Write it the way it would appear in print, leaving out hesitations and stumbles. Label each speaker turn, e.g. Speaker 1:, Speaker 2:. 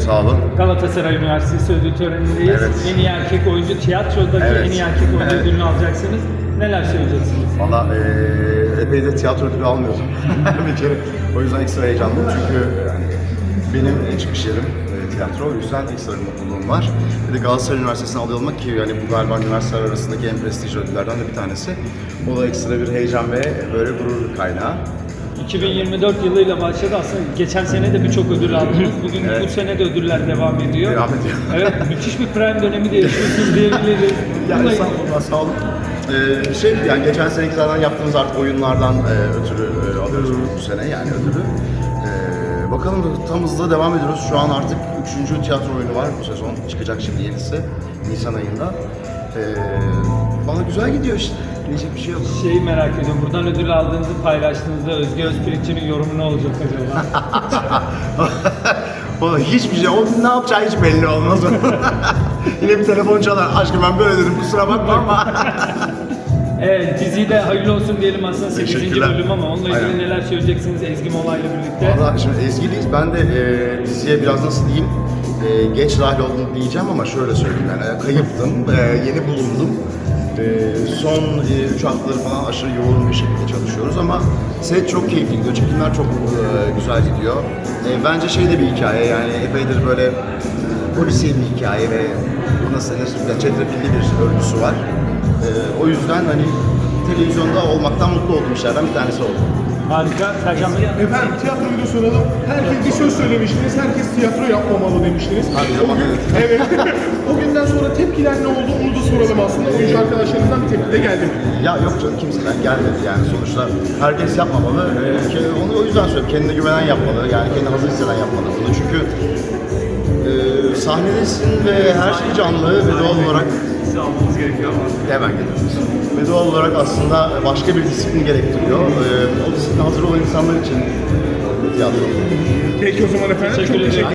Speaker 1: sağ olun.
Speaker 2: Galatasaray Üniversitesi ödül törenindeyiz.
Speaker 1: Evet.
Speaker 2: En iyi erkek oyuncu, tiyatrodaki
Speaker 1: Evet.
Speaker 2: en iyi erkek oyuncu ödülünü alacaksınız. Neler söyleyeceksiniz?
Speaker 1: Valla epey de tiyatro ödülü almıyordum bir kere. O yüzden ekstra heyecanlıyım çünkü yani benim çıkış yerim tiyatro. O yüzden ekstra bir mutluluğum var. Bir de Galatasaray Üniversitesi'ne aday olmak ki yani bu galiba üniversiteler arasındaki en prestijli ödüllerden de bir tanesi. O da ekstra bir heyecan ve böyle gurur kaynağı.
Speaker 2: 2024 yılıyla başladı aslında. Geçen sene de birçok ödül aldınız. Bugün
Speaker 1: Evet.
Speaker 2: bu sene de ödüller devam ediyor.
Speaker 1: Devam ediyor.
Speaker 2: Evet, müthiş bir prime dönemi de yaşıyorsunuz diyebiliriz.
Speaker 1: Yani
Speaker 2: Bununla-
Speaker 1: sağ olun. Yani geçen seneki zaten yaptığımız artık oyunlardan ötürü alıyoruz bu sene yani ödülü. Bakalım tam hızla devam ediyoruz. Şu an artık 3. tiyatro oyunu var bu sezon. Çıkacak şimdi yenisi Nisan ayında. Bana güzel gidiyor işte. Diyecek bir şey yok.
Speaker 2: Şeyi merak ediyorum. Buradan ödül aldığınızı paylaştığınızda Özge Özpirinç'in yorumu ne olacak acaba?
Speaker 1: O hiçbir şey, o ne yapacağı hiç belli olmaz. Yine bir telefon çalar. Aşkım ben böyle dedim kusura bakma ama.
Speaker 2: Evet, diziyi de hayırlı olsun diyelim aslında 8.
Speaker 1: Teşekkürler.
Speaker 2: bölüm ama onunla ilgili
Speaker 1: Aynen.
Speaker 2: neler söyleyeceksiniz Ezgi Mola'yla birlikte?
Speaker 1: Valla şimdi Ezgi'liyiz. Ben de diziye biraz nasıl diyeyim, geç dahil oldum diyeceğim ama şöyle söyleyeyim yani kayıptım, yeni bulundum. Son 3 haftaları falan aşırı yoğun bir şekilde çalışıyoruz ama set çok keyifli gidiyor, çekimler çok güzel gidiyor. Bence şey de bir hikaye yani epeydir böyle polisiye bir hikaye ve nasıl denir, çetrefilli bir örgüsü var. O yüzden hani televizyonda olmaktan mutlu olduğum işlerden bir tanesi oldu.
Speaker 2: Harika. Sercan Bey.
Speaker 3: Efendim tiyatroyu da soralım. Herkes bir söz söylemiştiniz. Herkes tiyatro yapmamalı demiştiniz.
Speaker 1: Hadi
Speaker 3: O gün, evet. O günden sonra tepkiler ne oldu onu da soralım aslında. Oyuncu arkadaşlarınızdan bir tepki de geldi mi?
Speaker 1: Ya yok canım kimseden gelmedi yani sonuçta herkes yapmamalı. Onu o yüzden söylüyorum kendine güvenen yapmalı yani kendini hazır hisseden yapmalı bunu çünkü sahnedesin ve her şey canlı ve doğal olarak
Speaker 3: Almanız gerekiyor ama.
Speaker 1: hemen geliyoruz. Ve doğal olarak aslında başka bir disiplin gerektiriyor. O disipline hazır olan insanlar için tiyatro.
Speaker 3: Peki o zaman efendim.
Speaker 2: Teşekkür
Speaker 3: Çok
Speaker 2: ederim.
Speaker 3: teşekkür